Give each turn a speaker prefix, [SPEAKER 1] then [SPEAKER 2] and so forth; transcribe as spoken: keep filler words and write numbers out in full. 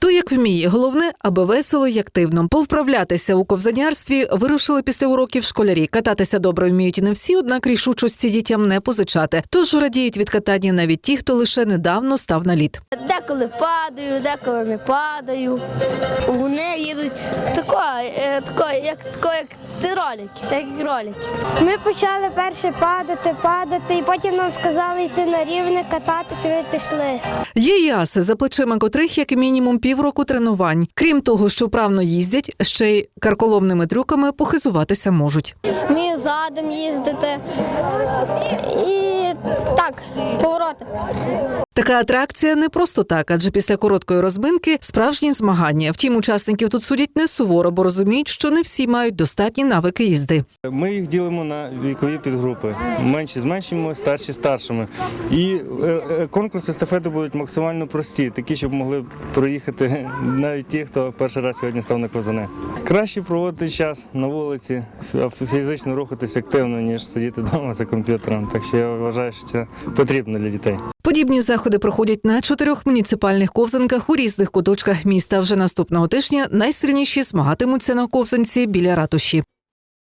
[SPEAKER 1] Хто як вміє, головне, аби весело й активно. Повправлятися у ковзанярстві вирушили після уроків школярі. Кататися добре вміють і не всі, однак рішучості дітям не позичати. Тож радіють від катання навіть ті, хто лише недавно став на лід.
[SPEAKER 2] Деколи падаю, деколи не падаю. Вони їдуть тако, е, тако, як, тако, як ти ролики, так як ролики.
[SPEAKER 3] Ми почали перше падати, падати, і потім нам сказали йти на рівне, кататися, ми пішли.
[SPEAKER 1] Є й аси, за плечима котрих як мінімум півроку тренувань. Крім того, що вправно їздять, ще й карколомними трюками похизуватися можуть.
[SPEAKER 3] Вмію задом їздити і так, повороти.
[SPEAKER 1] Така атракція не просто так, адже після короткої розминки справжні змагання. Втім, учасників тут судять не суворо, бо розуміють, що не всі мають достатні навики їзди.
[SPEAKER 4] Ми їх ділимо на вікові підгрупи. Менші з меншими, старші з старшими. І конкурси естафети будуть максимально прості, такі, щоб могли проїхати навіть ті, хто перший раз сьогодні став на ковзани. Краще проводити час на вулиці, фізично рухатись активно, ніж сидіти вдома за комп'ютером. Так що я вважаю, що це потрібно для дітей.
[SPEAKER 1] Подібні заходи проходять на чотирьох муніципальних ковзанках у різних куточках міста. Вже наступного тижня найсильніші змагатимуться на ковзанці біля ратуші.